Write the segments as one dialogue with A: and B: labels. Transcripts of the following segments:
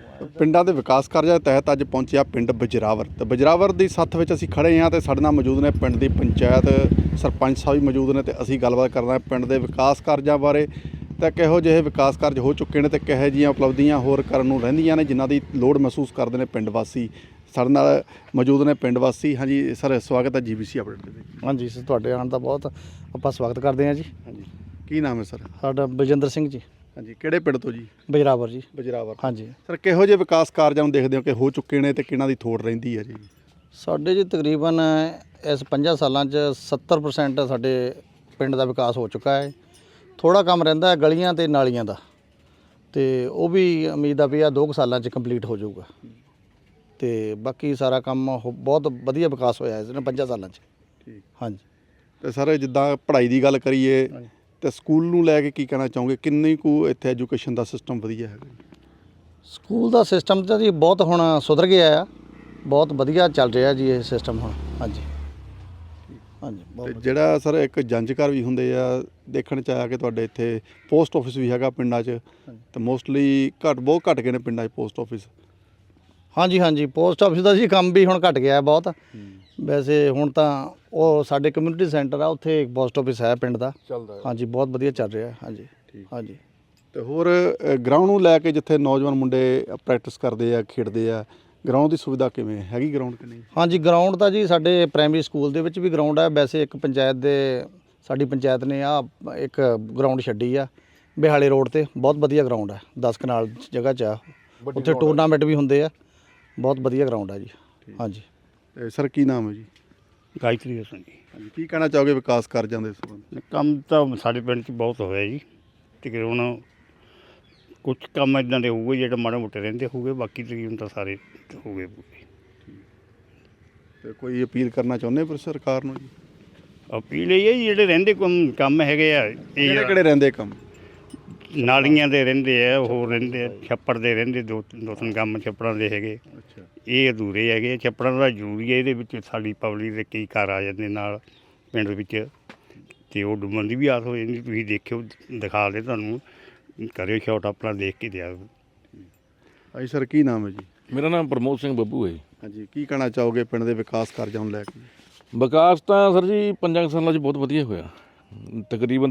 A: ਪਿੰਡਾਂ ਦੇ ਵਿਕਾਸ ਕਾਰਜਾਂ ਦੇ ਤਹਿਤ ਅੱਜ ਪਹੁੰਚਿਆ ਪਿੰਡ ਬਜਰਾਵਰ ਤੇ ਬਜਰਾਵਰ ਦੀ ਸੱਥ ਵਿੱਚ ਅਸੀਂ ਖੜੇ ਹਾਂ ਤੇ ਸਾਡੇ ਨਾਲ ਮੌਜੂਦ ਨੇ ਪਿੰਡ ਦੀ ਪੰਚਾਇਤ ਸਰਪੰਚ ਸਾਹਿਬ ਵੀ ਮੌਜੂਦ ਨੇ ਤੇ ਅਸੀਂ ਗੱਲਬਾਤ ਕਰਨਾ ਪਿੰਡ ਦੇ ਵਿਕਾਸ ਕਾਰਜਾਂ ਬਾਰੇ ਤੇ ਕਿਹੋ ਜਿਹੇ ਵਿਕਾਸ ਕਾਰਜ ਹੋ ਚੁੱਕੇ ਨੇ ਤੇ ਕਿਹੋ ਜਿਹੀਆਂ ਉਪਲਬਧੀਆਂ ਹੋਰ ਕਰਨ ਨੂੰ ਰਹਿੰਦੀਆਂ ਨੇ ਜਿਨ੍ਹਾਂ ਦੀ ਲੋੜ ਮਹਿਸੂਸ ਕਰਦੇ ਨੇ ਪਿੰਡ ਵਾਸੀ। ਸਾਡੇ ਨਾਲ ਮੌਜੂਦ ਨੇ ਪਿੰਡ ਵਾਸੀ। ਹਾਂਜੀ ਸਰ, ਸਵਾਗਤ ਹੈ ਜੀਬੀਸੀ ਅਪਡੇਟ ਦੇ ਵਿੱਚ।
B: ਹਾਂਜੀ ਸਰ, ਤੁਹਾਡੇ ਆਉਣ ਦਾ ਬਹੁਤ ਆਪਾਂ ਸਵਾਗਤ ਕਰਦੇ ਹਾਂ ਜੀ।
A: ਹਾਂਜੀ, ਕੀ ਨਾਮ ਹੈ ਸਰ?
B: ਸਾਡਾ ਬਲਜਿੰਦਰ ਸਿੰਘ ਜੀ।
A: ਹਾਂਜੀ, ਕਿਹੜੇ ਪਿੰਡ ਤੋਂ ਜੀ?
B: ਬਜਰਾਵਰ ਜੀ।
A: ਬਜਰਾਵਰ।
B: ਹਾਂਜੀ
A: ਸਰ, ਕਿਹੋ ਜਿਹੇ ਵਿਕਾਸ ਕਾਰਜਾਂ ਨੂੰ ਦੇਖਦੇ ਹੋ ਕਿ ਹੋ ਚੁੱਕੇ ਨੇ ਤੇ ਕਿਹਨਾਂ ਦੀ ਥੋੜ ਰਹਿੰਦੀ ਹੈ ਜੀ? ਸਾਡੇ
B: ਜੀ ਤਕਰੀਬਨ ਇਸ 5 ਸਾਲਾਂ 'ਚ 70% ਸਾਡੇ ਪਿੰਡ ਦਾ ਵਿਕਾਸ ਹੋ ਚੁੱਕਾ ਹੈ। ਥੋੜਾ ਕੰਮ ਰਹਿੰਦਾ ਹੈ ਗਲੀਆਂ ਤੇ ਨਾਲੀਆਂ ਦਾ, ਤੇ ਉਹ ਵੀ ਉਮੀਦ ਆ ਵੀ ਆ 2 ਸਾਲਾਂ 'ਚ ਕੰਪਲੀਟ ਹੋ ਜਾਊਗਾ। ਤੇ ਬਾਕੀ ਸਾਰਾ ਕੰਮ ਬਹੁਤ ਵਧੀਆ ਵਿਕਾਸ ਹੋਇਆ ਇਸ ਨੇ 5 ਸਾਲਾਂ 'ਚ।
A: ਠੀਕ।
B: ਹਾਂਜੀ।
A: ਤੇ ਸਰ, ਜਿੱਦਾਂ ਪੜ੍ਹਾਈ ਦੀ ਗੱਲ ਕਰੀਏ ਤੇ ਸਕੂਲ ਨੂੰ ਲੈ ਕੇ ਕੀ ਕਹਿਣਾ ਚਾਹੋਗੇ? ਕਿੰਨੀ ਕੁ ਇੱਥੇ ਐਜੂਕੇਸ਼ਨ ਦਾ ਸਿਸਟਮ ਵਧੀਆ ਹੈਗਾ? ਸਕੂਲ
B: ਦਾ ਸਿਸਟਮ ਤਾਂ ਜੀ ਬਹੁਤ ਹੁਣ ਸੁਧਰ ਗਿਆ ਆ, ਬਹੁਤ ਵਧੀਆ ਚੱਲ ਰਿਹਾ ਜੀ ਇਹ ਸਿਸਟਮ ਹੁਣ। ਹਾਂਜੀ ਹਾਂਜੀ।
A: ਤੇ ਜਿਹੜਾ ਸਰ ਇੱਕ ਜੰਜ ਘਰ ਵੀ ਹੁੰਦੇ ਆ, ਦੇਖਣ 'ਚ ਆਇਆ ਕਿ ਤੁਹਾਡੇ ਇੱਥੇ ਪੋਸਟ ਆਫਿਸ ਵੀ ਹੈਗਾ ਪਿੰਡਾਂ 'ਚ, ਤੇ ਮੋਸਟਲੀ ਬਹੁਤ ਘੱਟ ਗਏ ਨੇ ਪਿੰਡਾਂ 'ਚ ਪੋਸਟ ਆਫਿਸ।
B: ਹਾਂਜੀ ਹਾਂਜੀ, ਪੋਸਟ ਆਫਿਸ ਦਾ ਜੀ ਕੰਮ ਵੀ ਹੁਣ ਘਟ ਗਿਆ ਬਹੁਤ। ਵੈਸੇ ਹੁਣ ਤਾਂ ਉਹ ਸਾਡੇ ਕਮਿਊਨਿਟੀ ਸੈਂਟਰ ਆ, ਉੱਥੇ ਇੱਕ ਪੋਸਟ ਆਫਿਸ ਹੈ ਪਿੰਡ ਦਾ, ਚੱਲਦਾ। ਹਾਂਜੀ, ਬਹੁਤ ਵਧੀਆ ਚੱਲ ਰਿਹਾ। ਹਾਂਜੀ ਹਾਂਜੀ।
A: ਤੇ ਹੋਰ ਗਰਾਊਂਡ ਨੂੰ ਲੈ ਕੇ ਜਿੱਥੇ ਨੌਜਵਾਨ ਮੁੰਡੇ ਪ੍ਰੈਕਟਿਸ ਕਰਦੇ ਆ, ਖੇਡਦੇ ਆ, ਗਰਾਊਂਡ ਦੀ ਸੁਵਿਧਾ ਕਿਵੇਂ ਹੈਗੀ? ਗਰਾਊਂਡ ਕਿ ਨਹੀਂ?
B: ਹਾਂਜੀ, ਗਰਾਊਂਡ ਤਾਂ ਜੀ ਸਾਡੇ ਪ੍ਰਾਇਮਰੀ ਸਕੂਲ ਦੇ ਵਿੱਚ ਵੀ ਗਰਾਊਂਡ ਹੈ। ਵੈਸੇ ਇੱਕ ਪੰਚਾਇਤ ਦੇ ਸਾਡੀ ਪੰਚਾਇਤ ਨੇ ਇੱਕ ਗਰਾਊਂਡ ਛੱਡੀ ਆ ਬਿਹਾਲੇ ਰੋਡ ਤੇ, ਬਹੁਤ ਵਧੀਆ ਗਰਾਊਂਡ ਹੈ। 10 ਕਨਾਲ ਜਗ੍ਹਾ 'ਚ ਆ, ਉੱਥੇ ਟੂਰਨਾਮੈਂਟ ਵੀ ਹੁੰਦੇ ਆ। ਬਹੁਤ ਵਧੀਆ ਗਰਾਊਂਡ ਹੈ ਜੀ। ਹਾਂਜੀ।
A: ਤੇ ਸਰ, ਕੀ ਨਾਮ ਹੈ ਜੀ?
C: ਗਾਇਤਰੀ ਸਿੰਘ ਜੀ।
A: ਹਾਂਜੀ, ਕੀ ਕਹਿਣਾ ਚਾਹੋਗੇ ਵਿਕਾਸ ਕਾਰਜਾਂ ਦੇ ਸੰਬੰਧ?
C: ਕੰਮ ਤਾਂ ਸਾਡੇ ਪਿੰਡ 'ਚ ਬਹੁਤ ਹੋਇਆ ਜੀ। ਤਕਰੀਬਨ ਕੁਝ ਕੰਮ ਇੱਦਾਂ ਦੇ ਹੋਊਗੇ ਜਿਹੜੇ ਮਾੜੇ ਮੋਟੇ ਰਹਿੰਦੇ ਹੋਊਗੇ, ਬਾਕੀ ਤਕਰੀਬਨ ਤਾਂ ਸਾਰੇ ਹੋ ਗਏ ਪੂਰੇ।
A: ਤੇ ਕੋਈ ਅਪੀਲ ਕਰਨਾ ਚਾਹੁੰਦੇ ਪਰ ਸਰਕਾਰ ਨੂੰ ਜੀ?
C: ਅਪੀਲ ਇਹ ਹੈ ਜੀ, ਜਿਹੜੇ ਰਹਿੰਦੇ ਕੰਮ ਹੈਗੇ ਆ, ਇਹ
A: ਕਿਹੜੇ ਰਹਿੰਦੇ ਕੰਮ?
C: ਨਾਲੀਆਂ ਦੇ ਰਹਿੰਦੇ ਆ, ਹੋਰ ਰਹਿੰਦੇ ਆ, ਛੱਪੜ ਦੇ ਰਹਿੰਦੇ, ਦੋ ਤਿੰਨ ਕੰਮ ਛੱਪੜਾਂ ਦੇ ਹੈਗੇ।
A: ਅੱਛਾ।
C: ਇਹ ਅਧੂਰੇ ਹੈਗੇ। ਛੱਪੜਾਂ ਦਾ ਜ਼ਰੂਰੀ ਹੈ। ਇਹਦੇ ਵਿੱਚ ਸਾਡੀ ਪਬਲਿਕ ਦੇ ਕਈ ਘਰ ਆ ਜਾਂਦੇ ਨਾਲ ਪਿੰਡ ਵਿੱਚ, ਅਤੇ ਉਹ ਡੁੱਬਣ ਦੀ ਵੀ ਆਸ ਹੋ ਜਾਂਦੀ। ਤੁਸੀਂ ਦੇਖਿਓ, ਦਿਖਾ ਦੇ ਤੁਹਾਨੂੰ, ਕਰਿਓ ਸ਼ਾਟ ਆਪਣਾ ਦੇਖ ਕੇ ਦਿਆ।
A: ਹਾਂਜੀ ਸਰ, ਕੀ ਨਾਮ ਹੈ ਜੀ?
D: ਮੇਰਾ ਨਾਮ ਪ੍ਰਮੋਦ ਸਿੰਘ ਬੱਬੂ ਹੈ ਜੀ।
A: ਹਾਂਜੀ, ਕੀ ਕਹਿਣਾ ਚਾਹੋਗੇ ਪਿੰਡ ਦੇ ਵਿਕਾਸ ਕਾਰਜਾਂ ਨੂੰ ਲੈ ਕੇ?
D: ਵਿਕਾਸ ਤਾਂ ਸਰ ਜੀ 5 ਸਾਲਾਂ 'ਚ ਬਹੁਤ ਵਧੀਆ ਹੋਇਆ। ਤਕਰੀਬਨ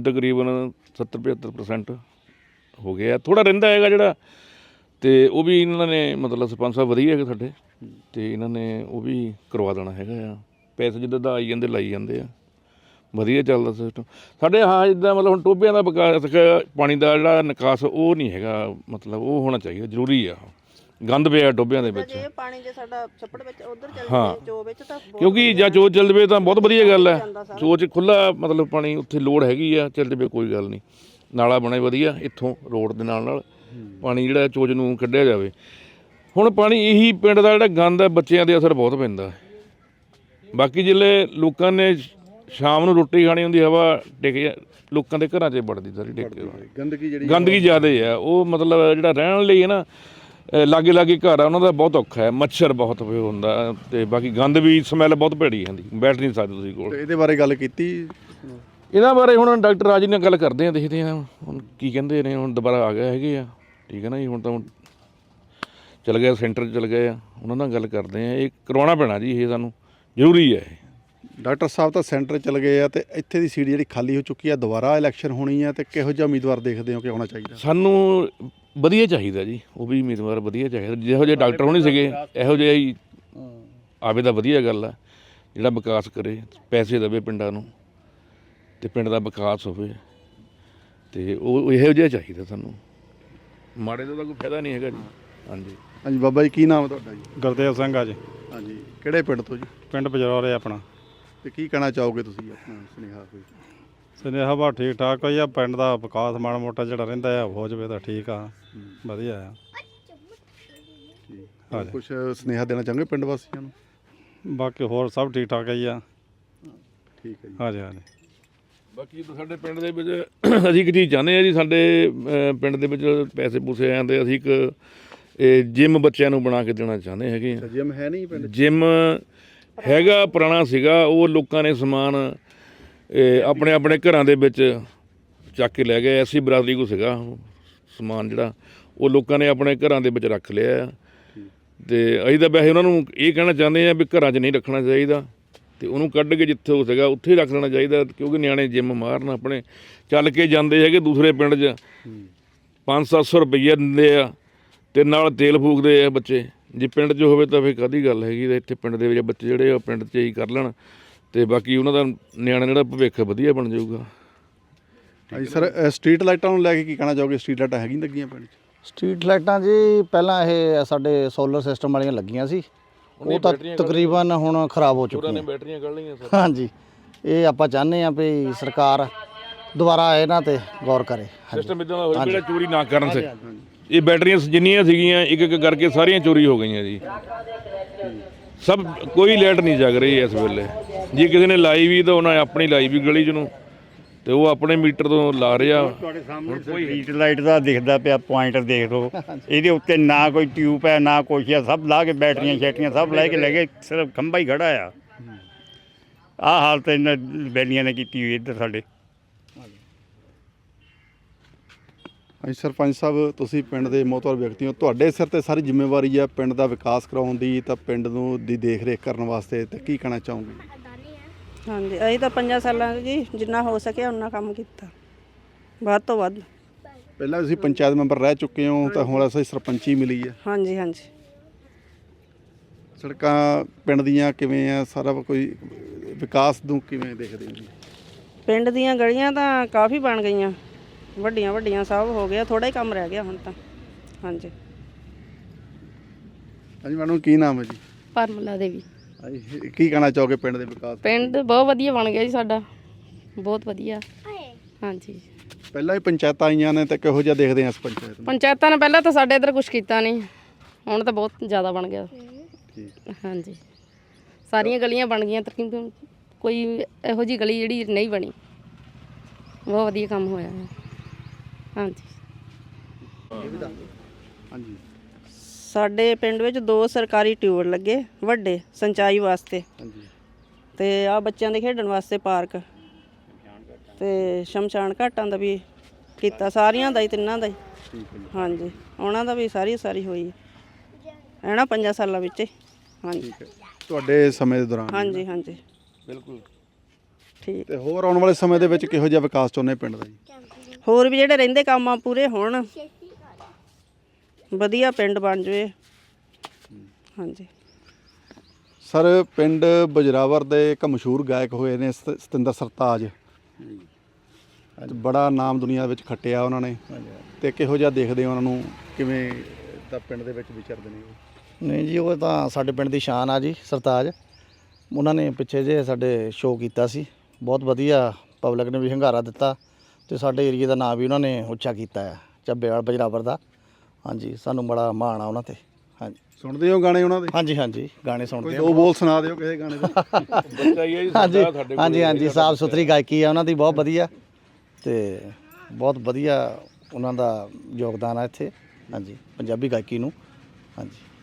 D: 70-75% ਹੋ ਗਿਆ। ਥੋੜ੍ਹਾ ਰਹਿੰਦਾ ਹੈਗਾ ਜਿਹੜਾ, ਅਤੇ ਉਹ ਵੀ ਇਹਨਾਂ ਨੇ ਮਤਲਬ ਸਰਪੰਚ ਸਾਹਿਬ ਵਧੀਆ ਹੈਗੇ ਸਾਡੇ, ਅਤੇ ਇਹਨਾਂ ਨੇ ਉਹ ਵੀ ਕਰਵਾ ਦੇਣਾ ਹੈਗਾ ਆ। ਪੈਸੇ ਜਿੱਦਾਂ ਦਾ ਆਈ ਜਾਂਦੇ ਲਾਈ ਜਾਂਦੇ ਆ, ਵਧੀਆ ਚੱਲਦਾ ਸਿਸਟਮ ਸਾਡੇ। ਹਾਂ, ਜਿੱਦਾਂ ਮਤਲਬ ਹੁਣ ਟੋਭਿਆਂ ਦਾ ਵਿਕਾਸ, ਪਾਣੀ ਦਾ ਜਿਹੜਾ ਨਿਕਾਸ ਉਹ ਨਹੀਂ ਹੈਗਾ, ਮਤਲਬ ਉਹ ਹੋਣਾ ਚਾਹੀਦਾ, ਜ਼ਰੂਰੀ ਆ। ਗੰਦ ਪਿਆ ਟੋਭਿਆਂ ਦੇ ਵਿੱਚ,
E: ਪਾਣੀ ਜੇ ਸਾਡਾ ਛੱਪੜ ਵਿੱਚ ਉਧਰ ਚੱਲ
D: ਹਾਂ,
E: ਚੋ ਵਿੱਚ ਤਾਂ
D: ਕਿਉਂਕਿ ਜਾਂ ਚੋਅ ਚੱਲ ਜਾਵੇ ਤਾਂ ਬਹੁਤ ਵਧੀਆ ਗੱਲ ਹੈ। ਚੋਅ 'ਚ ਖੁੱਲ੍ਹਾ ਮਤਲਬ ਪਾਣੀ ਉੱਥੇ ਲੋੜ ਹੈਗੀ ਆ, ਚੱਲ ਜਾਵੇ ਕੋਈ ਗੱਲ ਨਹੀਂ। ਨਾਲਾ ਬਣੇ ਵਧੀਆ ਇੱਥੋਂ ਰੋਡ ਦੇ ਨਾਲ ਪਾਣੀ ਜਿਹੜਾ ਚੋਜ ਨੂੰ ਕੱਢਿਆ ਜਾਵੇ। ਹੁਣ ਪਾਣੀ ਇਹੀ ਪਿੰਡ ਦਾ ਜਿਹੜਾ ਗੰਦ ਹੈ, ਬੱਚਿਆਂ ਦੇ ਅਸਰ ਬਹੁਤ ਪੈਂਦਾ। ਬਾਕੀ ਜਿਹੜੇ ਲੋਕਾਂ ਨੇ ਸ਼ਾਮ ਨੂੰ ਰੋਟੀ ਖਾਣੀ ਹੁੰਦੀ, ਹਵਾ ਟਿਕ ਲੋਕਾਂ ਦੇ ਘਰਾਂ 'ਚ ਵੜਦੀ ਸਾਰੀ ਟਿਕ ਕੇ। ਗੰਦਗੀ ਜ਼ਿਆਦਾ ਹੈ ਉਹ, ਮਤਲਬ ਜਿਹੜਾ ਰਹਿਣ ਲਈ ਹੈ ਨਾ, ਲਾਗੇ ਘਰ ਆ ਉਹਨਾਂ ਦਾ ਬਹੁਤ ਔਖਾ ਹੈ। ਮੱਛਰ ਬਹੁਤ ਹੁੰਦਾ, ਅਤੇ ਬਾਕੀ ਗੰਦ ਵੀ ਸਮੈਲ ਬਹੁਤ ਭੈੜੀ ਆਉਂਦੀ, ਬੈਠ ਨਹੀਂ ਸਕਦੇ ਤੁਸੀਂ ਕੋਲ।
A: ਇਹਦੇ ਬਾਰੇ ਗੱਲ ਕੀਤੀ?
D: ਇਹਨਾਂ ਬਾਰੇ ਹੁਣ ਡਾਕਟਰ ਰਾਜ ਨਾਲ ਗੱਲ ਕਰਦੇ ਹਾਂ, ਦੇਖਦੇ ਹਾਂ ਹੁਣ ਕੀ ਕਹਿੰਦੇ ਨੇ। ਹੁਣ ਦੁਬਾਰਾ ਆ ਗਏ ਹੈਗੇ ਆ, ਠੀਕ ਹੈ ਨਾ ਜੀ। ਹੁਣ ਤਾਂ ਚਲ ਗਏ ਸੈਂਟਰ 'ਚ ਚਲ ਗਏ ਆ, ਉਹਨਾਂ ਨਾਲ ਗੱਲ ਕਰਦੇ ਹਾਂ। ਇਹ ਕਰਵਾਉਣਾ ਪੈਣਾ ਜੀ, ਇਹ ਸਾਨੂੰ ਜ਼ਰੂਰੀ ਹੈ। ਇਹ
A: ਡਾਕਟਰ ਸਾਹਿਬ ਤਾਂ ਸੈਂਟਰ ਚਲ ਗਏ ਆ, ਅਤੇ ਇੱਥੇ ਦੀ ਸੀਟ ਜਿਹੜੀ ਖਾਲੀ ਹੋ ਚੁੱਕੀ ਆ, ਦੁਬਾਰਾ ਇਲੈਕਸ਼ਨ ਹੋਣੀ ਆ, ਅਤੇ ਕਿਹੋ ਜਿਹਾ ਉਮੀਦਵਾਰ ਦੇਖਦੇ ਹੋ ਕਿ ਹੋਣਾ ਚਾਹੀਦਾ?
D: ਸਾਨੂੰ ਵਧੀਆ ਚਾਹੀਦਾ ਜੀ, ਉਹ ਵੀ ਉਮੀਦਵਾਰ ਵਧੀਆ ਚਾਹੀਦਾ। ਜਿਹੋ ਜਿਹੇ ਡਾਕਟਰ ਹੋਣੇ ਸੀਗੇ, ਇਹੋ ਜਿਹਾ ਹੀ ਆਵੇ ਤਾਂ ਵਧੀਆ ਗੱਲ ਆ। ਜਿਹੜਾ ਵਿਕਾਸ ਕਰੇ, ਪੈਸੇ ਦੇਵੇ ਪਿੰਡਾਂ ਨੂੰ, ਅਤੇ ਪਿੰਡ ਦਾ ਵਿਕਾਸ ਹੋਵੇ, ਅਤੇ ਉਹ ਇਹੋ ਜਿਹਾ ਚਾਹੀਦਾ ਸਾਨੂੰ। ਮਾੜੇ ਦਾ ਤਾਂ ਕੋਈ ਫਾਇਦਾ ਨਹੀਂ ਹੈਗਾ ਜੀ। ਹਾਂਜੀ
A: ਹਾਂਜੀ, ਬਾਬਾ ਜੀ ਕੀ ਨਾਮ ਹੈ ਤੁਹਾਡਾ ਜੀ?
F: ਗੁਰਦੇਵ ਸਿੰਘ ਆ ਜੀ।
A: ਹਾਂਜੀ, ਕਿਹੜੇ ਪਿੰਡ ਤੋਂ ਜੀ?
F: ਪਿੰਡ ਬਜਰੌਰ ਹੈ ਆਪਣਾ।
A: ਅਤੇ ਕੀ ਕਹਿਣਾ ਚਾਹੋਗੇ ਤੁਸੀਂ ਆਪਣਾ ਸੁਨੇਹਾ ਕੋਈ?
F: ਸੁਨੇਹਾ ਬਾ ਠੀਕ ਠਾਕ ਹੋਈ ਆ। ਪਿੰਡ ਦਾ ਵਿਕਾਸ ਮਾੜਾ ਮੋਟਾ ਜਿਹੜਾ ਰਹਿੰਦਾ ਆ ਹੋ ਜਾਵੇ ਤਾਂ ਠੀਕ ਆ, ਵਧੀਆ ਆ।
A: ਹਾਂਜੀ, ਕੁਛ ਸੁਨੇਹਾ ਦੇਣਾ ਚਾਹਾਂਗੇ ਪਿੰਡ ਵਾਸੀਆਂ ਨੂੰ?
F: ਬਾਕੀ ਹੋਰ ਸਭ ਠੀਕ ਠਾਕ ਹੀ ਆ।
A: ਠੀਕ ਹੈ ਜੀ।
F: ਹਾਂਜੀ ਹਾਂਜੀ।
D: ਬਾਕੀ ਸਾਡੇ ਪਿੰਡ ਦੇ ਵਿੱਚ ਅਸੀਂ ਇੱਕ ਚੀਜ਼ ਚਾਹੁੰਦੇ ਹਾਂ ਜੀ, ਸਾਡੇ ਪਿੰਡ ਦੇ ਵਿੱਚ ਪੈਸੇ ਪੂਸੇ ਆਉਂਦੇ, ਅਸੀਂ ਇੱਕ ਜਿੰਮ ਬੱਚਿਆਂ ਨੂੰ ਬਣਾ ਕੇ ਦੇਣਾ ਚਾਹੁੰਦੇ ਹੈਗੇ।
A: ਜਿੰਮ ਹੈ ਨਹੀਂ ਪਿੰਡ?
D: ਜਿੰਮ ਹੈਗਾ, ਪੁਰਾਣਾ ਸੀਗਾ, ਉਹ ਲੋਕਾਂ ਨੇ ਸਮਾਨ ਆਪਣੇ ਘਰਾਂ ਦੇ ਵਿੱਚ ਚੱਕ ਕੇ ਲੈ ਗਏ। ਐਸੀ ਬਰਾਦਰੀ ਕੋ ਸੀਗਾ, ਸਮਾਨ ਜਿਹੜਾ ਉਹ ਲੋਕਾਂ ਨੇ ਆਪਣੇ ਘਰਾਂ ਦੇ ਵਿੱਚ ਰੱਖ ਲਿਆ ਆ। ਤੇ ਅਸੀਂ ਤਾਂ ਵੈਸੇ ਉਹਨਾਂ ਨੂੰ ਇਹ ਕਹਿਣਾ ਚਾਹੁੰਦੇ ਆ ਵੀ ਘਰਾਂ 'ਚ ਨਹੀਂ ਰੱਖਣਾ ਚਾਹੀਦਾ, ਤੇ ਉਹਨੂੰ ਕੱਢ ਕੇ ਜਿੱਥੇ ਹੋ ਸਕਿਆ ਉੱਥੇ ਹੀ ਰੱਖ ਲੈਣਾ ਚਾਹੀਦਾ, ਕਿਉਂਕਿ ਨਿਆਣੇ ਜਿੰਮ ਮਾਰਨ ਆਪਣੇ ਚੱਲ ਕੇ ਜਾਂਦੇ ਹੈਗੇ ਦੂਸਰੇ ਪਿੰਡ 'ਚ 500-700 ਰੁਪਈਆ ਦਿੰਦੇ ਆ ਤੇ ਨਾਲ ਤੇਲ ਫੂਕਦੇ ਆ ਬੱਚੇ। ਜੇ ਪਿੰਡ 'ਚ ਹੋਵੇ ਤਾਂ ਫਿਰ ਕਾਹਦੀ ਗੱਲ ਹੈਗੀ, ਤੇ ਇੱਥੇ ਪਿੰਡ ਦੇ ਵਿੱਚ ਬੱਚੇ ਜਿਹੜੇ ਆ ਪਿੰਡ 'ਚ ਹੀ ਕਰ ਲੈਣ, ਤੇ ਬਾਕੀ ਉਹਨਾਂ ਦਾ ਨਿਆਣਾ ਜਿਹੜਾ ਭਵਿੱਖ ਵਧੀਆ ਬਣ ਜਾਊਗਾ।
A: ਹਾਂਜੀ ਸਰ, ਸਟਰੀਟ ਲਾਈਟਾਂ ਨੂੰ ਲੈ ਕੇ ਕੀ ਕਹਿਣਾ ਚਾਹੋਗੇ? ਸਟਰੀਟ ਲਾਈਟਾਂ ਹੈਗੀਆਂ ਲੱਗੀਆਂ ਪਿੰਡ 'ਚ?
B: ਸਟਰੀਟ ਲਾਈਟਾਂ ਜੀ ਪਹਿਲਾਂ ਇਹ ਸਾਡੇ ਸੋਲਰ ਸਿਸਟਮ ਵਾਲੀਆਂ ਲੱਗੀਆਂ ਸੀ, ਉਹ ਤਾਂ ਤਕਰੀਬਨ ਹੁਣ ਖਰਾਬ ਹੋ ਚੁੱਕੀਆਂ।
D: ਬੈਟਰੀਆਂ ਕੱਢ ਲਈਆਂ ਸਰ।
B: ਹਾਂਜੀ, ਇਹ ਆਪਾਂ ਚਾਹੁੰਦੇ ਹਾਂ ਵੀ ਸਰਕਾਰ ਦੁਬਾਰਾ ਇਹਨਾਂ ਤੇ ਗੌਰ ਕਰੇ।
D: ਸਿਸਟਮ ਇਦਾਂ ਦਾ ਹੋਵੇ ਜਿਹੜਾ ਚੋਰੀ ਨਾ ਕਰਨ ਸੇ। ਇਹ ਬੈਟਰੀਆਂ ਜਿੰਨੀਆਂ ਸੀਗੀਆਂ ਇੱਕ ਇੱਕ ਕਰਕੇ ਸਾਰੀਆਂ ਚੋਰੀ ਹੋ ਗਈਆਂ ਜੀ। ਸਭ ਕੋਈ ਲਾਈਟ ਨਹੀਂ ਜਗ ਰਹੀ ਇਸ ਵੇਲੇ। ਜੇ ਕਿਸੇ ਨੇ ਲਾਈ ਵੀ ਤਾਂ ਉਹਨਾਂ ਆਪਣੀ ਲਾਈ ਵੀ ਗਲੀ 'ਚ ਨੂੰ, ਤੇ ਉਹ ਆਪਣੇ ਮੀਟਰ ਤੋਂ ਲਾ ਰਿਹਾ।
C: ਤੁਹਾਡੇ ਸਾਹਮਣੇ ਸਟਰੀਟ ਲਾਈਟ ਦਾ ਦਿਖਦਾ ਪਿਆ ਪੁਆਇੰਟਰ, ਦੇਖ ਲਓ ਇਹਦੇ ਉੱਤੇ ਨਾ ਕੋਈ ਟਿਊਬ ਹੈ ਨਾ ਕੁਛ ਹੈ, ਸਭ ਲਾ ਕੇ ਬੈਟਰੀਆਂ ਸ਼ੈਟਰੀਆਂ ਸਭ ਲੈ ਕੇ ਲੈ ਗਏ, ਸਿਰਫ ਖੰਭਾ ਹੀ ਖੜਾ ਆ। ਆਹ ਹਾਲਤ ਇਹਨਾਂ ਬੈਲੀਆਂ ਨੇ ਕੀਤੀ ਹੋਈ ਇੱਧਰ ਸਾਡੇ।
A: ਹਾਂਜੀ ਸਰਪੰਚ ਸਾਹਿਬ, ਤੁਸੀਂ ਪਿੰਡ ਦੇ ਮੋਹਤਵਰ ਵਿਅਕਤੀ ਹੋ, ਤੁਹਾਡੇ ਸਿਰ ਤੇ ਸਾਰੀ ਜ਼ਿੰਮੇਵਾਰੀ ਹੈ ਪਿੰਡ ਦਾ ਵਿਕਾਸ ਕਰਾਉਣ ਦੀ, ਤਾਂ ਪਿੰਡ ਨੂੰ ਦੀ ਦੇਖ ਰੇਖ ਕਰਨ ਵਾਸਤੇ, ਤੇ ਕੀ ਕਹਿਣਾ ਚਾਹੋਗੇ?
E: ਹਾਂਜੀ, ਅਸੀਂ ਤਾਂ 5 ਸਾਲਾਂ 'ਚ ਜੀ ਜਿੰਨਾ ਹੋ ਸਕਿਆ ਉਨਾ ਕੰਮ ਕੀਤਾ, ਵੱਧ ਤੋਂ ਵੱਧ।
A: ਪਹਿਲਾਂ ਤੁਸੀਂ ਪੰਚਾਇਤ ਮੈਂਬਰ ਰਹਿ ਚੁੱਕੇ ਹੋ, ਤਾਂ ਹੁਣ ਅਸੀਂ ਸਰਪੰਚੀ ਮਿਲੀ ਹੈ।
E: ਹਾਂਜੀ ਹਾਂਜੀ।
A: ਸੜਕਾਂ ਪਿੰਡ ਦੀਆਂ ਕਿਵੇਂ ਆ, ਸਾਰਾ ਕੋਈ ਵਿਕਾਸ ਨੂੰ ਕਿਵੇਂ ਦੇਖਦੇ ਹੋ ਜੀ?
E: ਪਿੰਡ ਦੀਆਂ ਗਲੀਆਂ ਤਾਂ ਕਾਫੀ ਬਣ ਗਈਆਂ, ਵੱਡੀਆਂ ਵੱਡੀਆਂ ਸਭ ਹੋ ਗਿਆ, ਥੋੜਾ ਹੀ ਕੰਮ ਰਹਿ ਗਿਆ ਹੁਣ ਤਾਂ। ਹਾਂਜੀ
A: ਹਾਂਜੀ ਮੈਡਮ, ਕੀ ਨਾਮ ਹੈ ਜੀ?
G: ਪਰਮਲਾ ਦੇਵੀ।
A: ਹਾਂਜੀ, ਕੀ ਕਹਿਣਾ ਚਾਹੋਗੇ ਪਿੰਡ ਦੇ ਵਿਕਾਸ?
G: ਪਿੰਡ ਬਹੁਤ ਵਧੀਆ ਬਣ ਗਿਆ ਜੀ ਸਾਡਾ, ਬਹੁਤ ਵਧੀਆ। ਹਾਂਜੀ,
A: ਪਹਿਲਾਂ ਹੀ ਪੰਚਾਇਤਾਂ ਆਈਆਂ ਨੇ, ਤੇ ਕਿਹੋ ਜਿਹਾ ਦੇਖਦੇ ਆ ਇਸ ਪੰਚਾਇਤ ਨੂੰ?
G: ਪੰਚਾਇਤਾਂ ਨੇ ਪਹਿਲਾਂ ਤਾਂ ਸਾਡੇ ਇੱਧਰ ਕੁਝ ਕੀਤਾ ਨਹੀਂ, ਹੁਣ ਤਾਂ ਬਹੁਤ ਜ਼ਿਆਦਾ ਬਣ ਗਿਆ। ਹਾਂਜੀ, ਸਾਰੀਆਂ ਗਲੀਆਂ ਬਣ ਗਈਆਂ ਤਕਰੀਬਨ, ਕੋਈ ਇਹੋ ਜਿਹੀ ਗਲੀ ਜਿਹੜੀ ਨਹੀਂ ਬਣੀ। ਬਹੁਤ ਵਧੀਆ ਕੰਮ ਹੋਇਆ ਹੈ। ਹਾਂਜੀ
A: ਹਾਂਜੀ,
E: ਸਾਡੇ ਪਿੰਡ ਵਿੱਚ 2 ਸਰਕਾਰੀ ਟਿਊਬਲ ਲੱਗੇ ਵੱਡੇ ਸਿੰਚਾਈ ਵਾਸਤੇ,
A: ਹਾਂਜੀ,
E: ਤੇ ਆ ਬੱਚਿਆਂ ਦੇ ਖੇਡਣ ਵਾਸਤੇ ਪਾਰਕ, ਤੇ ਸ਼ਮਸ਼ਾਨ ਘਾਟਾਂ ਦਾ ਵੀ ਕੀਤਾ, ਸਾਰੀਆਂ ਦਾ ਹੀ, ਤਿੰਨਾਂ ਦਾ ਹੀ। ਹਾਂਜੀ, ਉਹਨਾਂ ਦਾ ਵੀ ਸਾਰੀ ਹੋਈ ਇਹਨਾਂ 5 ਸਾਲਾਂ ਵਿੱਚ। ਹਾਂਜੀ
A: ਤੁਹਾਡੇ ਸਮੇਂ ਦੇ ਦੌਰਾਨ?
E: ਹਾਂਜੀ ਹਾਂਜੀ
D: ਬਿਲਕੁਲ
E: ਠੀਕ।
A: ਤੇ ਹੋਰ ਆਉਣ ਵਾਲੇ ਸਮੇਂ ਦੇ ਵਿੱਚ ਕਿਹੋ ਜਿਹਾ ਵਿਕਾਸ ਚਾਹੁੰਦੇ ਪਿੰਡ ਦਾ ਜੀ?
E: ਹੋਰ ਵੀ ਜਿਹੜੇ ਰਹਿੰਦੇ ਕੰਮ ਆ ਪੂਰੇ ਹੋਣ, ਵਧੀਆ ਪਿੰਡ ਬਣ ਜਾਵੇ। ਹਾਂਜੀ
A: ਸਰ, ਪਿੰਡ ਬਜਰਾਵਰ ਦੇ ਇੱਕ ਮਸ਼ਹੂਰ ਗਾਇਕ ਹੋਏ ਨੇ ਸਤਿੰਦਰ ਸਰਤਾਜ, ਤੇ ਬੜਾ ਨਾਮ ਦੁਨੀਆ ਵਿੱਚ ਖੱਟਿਆ ਉਹਨਾਂ ਨੇ, ਤੇ ਕਿਹੋ ਜਿਹਾ ਦੇਖਦੇ ਹੋ ਉਹਨਾਂ ਨੂੰ, ਕਿਵੇਂ ਤਾਂ ਪਿੰਡ ਦੇ ਵਿੱਚ ਵਿਚਰਦੇ ਨੇ ਉਹ?
B: ਨਹੀਂ ਜੀ, ਉਹ ਤਾਂ ਸਾਡੇ ਪਿੰਡ ਦੀ ਸ਼ਾਨ ਆ ਜੀ ਸਰਤਾਜ। ਉਹਨਾਂ ਨੇ ਪਿੱਛੇ ਜੇ ਸਾਡੇ ਸ਼ੋਅ ਕੀਤਾ ਸੀ, ਬਹੁਤ ਵਧੀਆ, ਪਬਲਿਕ ਨੇ ਵੀ ਹੰਗਾਰਾ ਦਿੱਤਾ, ਤੇ ਸਾਡੇ ਏਰੀਏ ਦਾ ਨਾਮ ਵੀ ਉਹਨਾਂ ਨੇ ਉੱਚਾ ਕੀਤਾ ਹੈ, ਚੱਬੇਵਾਲ ਬਜਰਾਵਰ ਦਾ। ਹਾਂਜੀ, ਸਾਨੂੰ ਬੜਾ ਮਾਣ ਆ ਉਹਨਾਂ ਤੇ। ਹਾਂਜੀ,
A: ਸੁਣਦੇ ਹੋ ਗਾਣੇ ਉਹਨਾਂ ਦੇ?
B: ਹਾਂਜੀ ਹਾਂਜੀ, ਗਾਣੇ ਸੁਣਦੇ
A: ਕੋਈ
B: ਆ।
A: 2 ਬੋਲ ਸੁਣਾ ਦਿਓ ਕਿਸੇ ਗਾਣੇ ਦੇ।
D: ਬੱਚਾ ਹੀ ਹੈ ਜੀ
B: ਹਾਂਜੀ
D: ਸਾਡਾ, ਸਾਡੇ ਕੋਲ
B: ਹਾਂਜੀ ਹਾਂਜੀ, ਸਾਫ ਸੁਥਰੀ ਗਾਇਕੀ ਆ ਉਹਨਾਂ ਦੀ, ਬਹੁਤ ਵਧੀਆ, ਤੇ ਬਹੁਤ ਵਧੀਆ ਉਹਨਾਂ ਦਾ ਯੋਗਦਾਨ ਆ ਇੱਥੇ। ਹਾਂਜੀ, ਪੰਜਾਬੀ ਗਾਇਕੀ ਨੂੰ। ਹਾਂਜੀ।